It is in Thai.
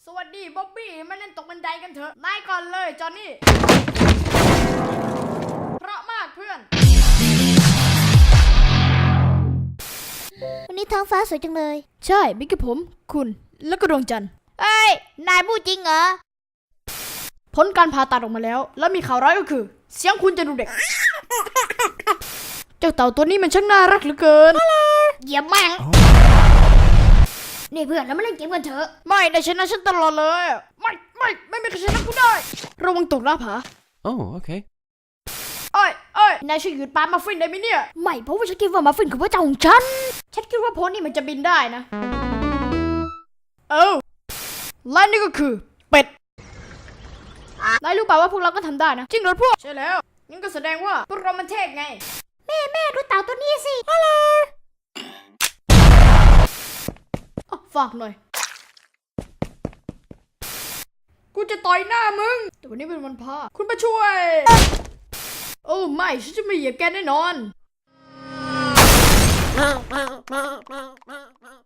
สวัสดีบ๊อบบี้มาเล่นตกบันไดกันเถอะนายก่อนเลยจอห์นนี่เพราะมากเพื่อนวันนี้ท้องฟ้าสวยจังเลยใช่บิ๊กกับผมคุณแล้วก็ดวงจันทร์เอ้ยนายพูดจริงเหรอผลการผ่าตัดออกมาแล้วแล้วมีข่าวร้ายก็คือเสียงคุณจะดูเด็กเจ้าเต่าตัวนี้มันช่างน่ารักเหลือเกินเหยียบแม่งนี่เพื่อนเรามาเล่นเกมกันเถอะไม่ได้ชนะฉันตลอดเลยไม่มีใครชนะกูได้ระวังตกหน้าผา Oh, okay. เอ้ยนายช่วยหยุดปามาฟินได้ไหมเนี่ยไม่เพราะว่าฉันคิดว่ามาฟินคือพระเจ้าของฉันคิดว่าโพสนี่มันจะบินได้นะและนี่ก็คือเป็ดนายรู้เปล่าว่าพวกเราก็ทำได้นะจริงเหรอพวกใช่แล้วงั้นก็แสดงว่าพวกเรามันเท่ไงแม่ดูเต่าตัวนี้สิฝากหน่อยกูจะต่อยหน้ามึงแต่วันนี้เป็นวันพระคุณมาช่วยโอ้ไม่ฉันจะไม่เหยียบแกแน่นอน